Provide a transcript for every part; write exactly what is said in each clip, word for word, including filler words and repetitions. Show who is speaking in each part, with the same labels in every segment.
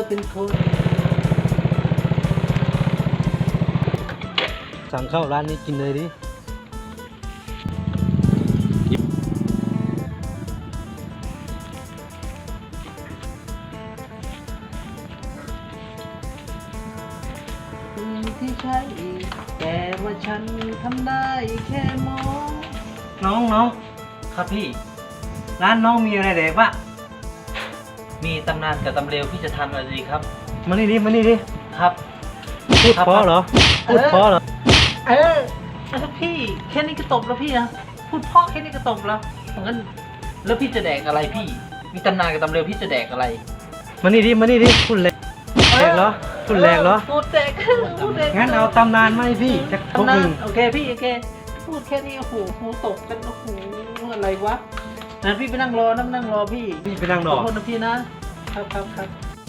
Speaker 1: เป็นคน
Speaker 2: สั่งเข้าร้านนี้กินเลยดิ
Speaker 1: ที่ใช่แต่ว่าฉันทำได้แค่มอง
Speaker 2: น้องน้องครับพี่ ร้านน้องมีอะไรแดกปะ
Speaker 1: มีตำนานกับตำเร็วพี่จะทำอะไรดีครับ
Speaker 2: มานี่ดิมานี่ดิ
Speaker 1: ครับ
Speaker 2: พูดเพราะเหรอพูดเพราะเหรอ
Speaker 1: เออแล้วพี่แค่นี้ก็ตบแล้วพี่นะพูดเพราะแค่นี้ก็ตบแล้วงั้นแล้วพี่จะแดกอะไรพี่ มีตำนานกับตำเร็วพี่จะแดกอะไร
Speaker 2: มานี่ดิมานี่ดิพูดแรงแรงเหรอพูดแรงเหรอ
Speaker 1: พูดแดกพูดแดก
Speaker 2: งั้นเอาตำนานมาให้พี่จากพวก
Speaker 1: ตำนา
Speaker 2: ห
Speaker 1: น
Speaker 2: นึ่ง
Speaker 1: โอเคพี่โอเคพูดแค่นี้โอ้โหหูตกกันโอ้โหอะไรวะงั้นพี่ไปนั่งรอนั่งนั่งรอพี่
Speaker 2: พี่ไปนั่งร
Speaker 1: ข
Speaker 2: อ
Speaker 1: อโทษนะพี่นะครับครับครับ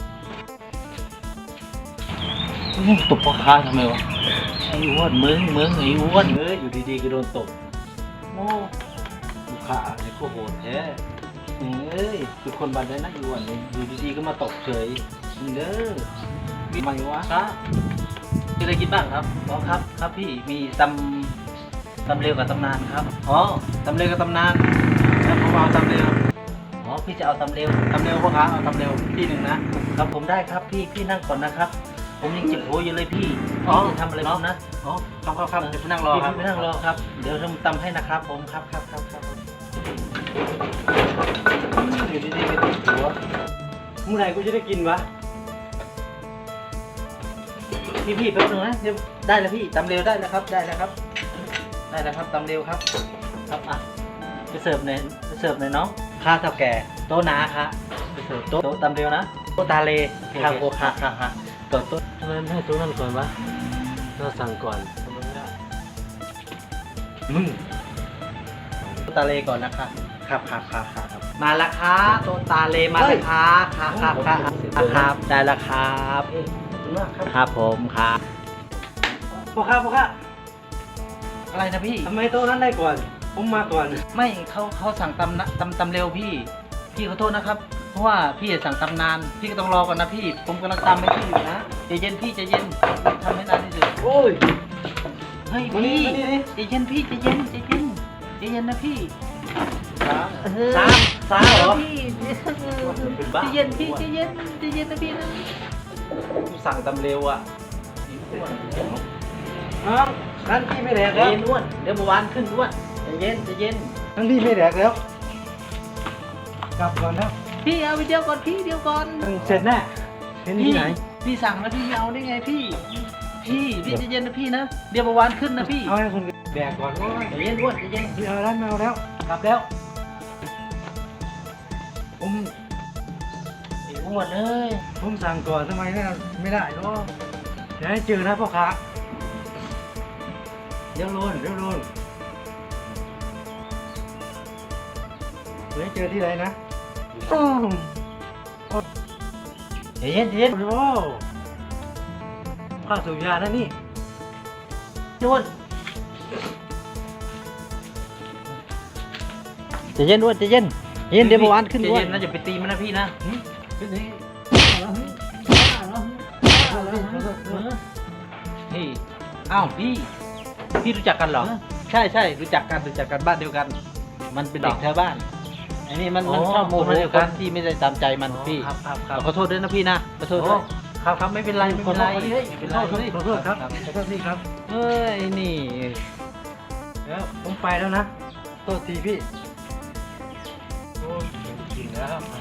Speaker 3: ตบพ่อค้าทำไมวะไอ้อ้วนมึงมึงไอ้อ้วนเอ้ยอยู่ดีๆก็โดนตบ
Speaker 1: โม่
Speaker 3: ลูกค้าไอ้โคโหดแท้เอ้ยคือคนบันไดนะไอ้อ้วนอยู่ดีๆก็มาตบเฉยมึงเด้อมีไหมวะ
Speaker 1: ครับมีอะไรกินบ้างครับอ๋อครับครับพี่มีตำตำเร็วกับตำนานครับอ๋อตำเร็วกับตำนานแล้วผมเอาตำเร็วอ๋อพี่จะเอาตำเร็วตำเร็วพ่อค้าเอาตำเร็วที่หนึ่งนะครับผมได้ครับพี่พี่นั่งก่อนนะครับ ผมยังเจ็บหัวอยู่เลยพี่พี่จะทำอะไรผมนะอ๋อครับครับครับเดี๋ยวไปนั่งรอครับไปนั่งรอครับเดี๋ยวทำตำให้นะครับผมครับครับครับครับอยู่ดีๆไปติดหัว
Speaker 2: เมื่อไหร่กูจะได้กินวะ
Speaker 1: พี่พี่แป๊บนึงนะเดี๋ยวได้แล้วพี่ตำเร็วได้แล้วครับได้แล้วครับ ได้แล้วครับตำเร็วครับ ครับอ่ะไปเสิร์ฟหน่อยไปเสิร์ฟหน่อยน้องข้าเท่าแก่โต๊ะนาค่ะไปเสิร์ฟโต๊ะโต๊ะตำเร็วนะโต๊ะตาเลข้าวโคค่ะค่ะค่ะโต๊ะโต๊ะ
Speaker 2: ทำไมไม่ให้ตัวนั่นก่อนวะเราสั่งก่อนทำไมไม่ได้
Speaker 1: มึงโต๊ะตาเลก่อนนะคะครับครับครับครับมาละค่ะโต๊ะตาเลมาละค่ะค่ะครับครับครับได้ละครับครับผมครับ
Speaker 2: พ่อค้าพ่อค้า
Speaker 1: อะไรนะพี่
Speaker 2: ทำไมโต๊ะนั้นได้ก่อนผมมาก่อน
Speaker 1: ไม่เขาเขาสั่งตำนะตำตำเร็วพี่ พี่ขอโทษนะครับ เพราะว่าพี่สั่งตำนาน พี่ก็ต้องรอก่อนนะพี่ ผมกำลังตำให้พี่อยู่นะใจเย็นพี่ใจเย็นทำให้นานที่สุด
Speaker 2: โอ้ย
Speaker 1: เฮ้ย
Speaker 2: มานี่
Speaker 1: พี่
Speaker 2: มานี่ดิ
Speaker 1: ใจเย็นพี่ใจเย็นใจเย็นใจเย็นนะพี่
Speaker 2: สามสามเหรอ
Speaker 1: พี่ใจเย็นพี่ใจเย็นใจเย็นนะพี่นะ
Speaker 3: กูสั่งตำเร็วอ่ะ
Speaker 2: อ้าวร้านพี่ไม่แดก
Speaker 1: ใจ
Speaker 2: แล้ว
Speaker 1: เย็นอ้วนเดี๋ยวเมื่อวานขึ้นอ้วนใจเย็นใจเย็น
Speaker 2: ร้านพี่ไม่แดกแล้วกลับก่อนนะ
Speaker 1: พี่เอาไปเดียวก่อนพี่เดียวก่อน
Speaker 2: เสร็จแน่เห็นที่ไหน
Speaker 1: พี่สั่งแล้วพี่ไม่เอาได้ไงพี่ พี่พี่ใจเย็นนะพี่นะเดี๋ยวเมื่อวานขึ้นนะพี่
Speaker 2: เอาให้คนแดกก่อนว่า
Speaker 1: ใจเย็นอ้วนใจเย็น
Speaker 2: พี่เอาร้านมาเอาแล้ว
Speaker 1: กลับแล้ว
Speaker 2: ผม
Speaker 1: ไอ้อ้วนเอ้ย
Speaker 2: ผมสั่งก่อนทำไมไม่ไม่ได้เนาะเดี๋ยวให้เจอนะพ่อค้าเดี๋ยวโลนเดี๋ยวโลนเดี๋ยวให้เจอที่ไหนนะอ้าว
Speaker 1: ใจเย็นใจเย็น
Speaker 2: โอ้โหข้าวสูบยานะนี่
Speaker 1: อ้วนใจเย็นอ้วนใจเย็นใจเย็นเดี๋ยวเมื่อวานขึ้นอ้วนใจเย็นนะอย่าไปตีมันนะพี่นะพี่อ้าวพี่พี่รู้จักกันเหรอใช่ใช่รู้จักกันรู้จักกันบ้านเดียวกัน มันเป็นเด็กแถวบ้านไอ้นี่มันมันชอบโมโหคนที่ไม่ได้ตามใจมันพี่
Speaker 2: ครับครับครับ
Speaker 1: ขอโทษด้วยนะพี่นะขอโทษด้วยครับครับไม่เป็นไรไม่เป็นไร
Speaker 2: ขอโทษ
Speaker 1: ไม่เป็นไร
Speaker 2: ขอโทษครับขอโทษพี่ครับ
Speaker 1: เฮ้ยนี่
Speaker 2: เดี๋ยวผมไปแล้วนะโทษทีพี่โอ้ยจริงแล้ว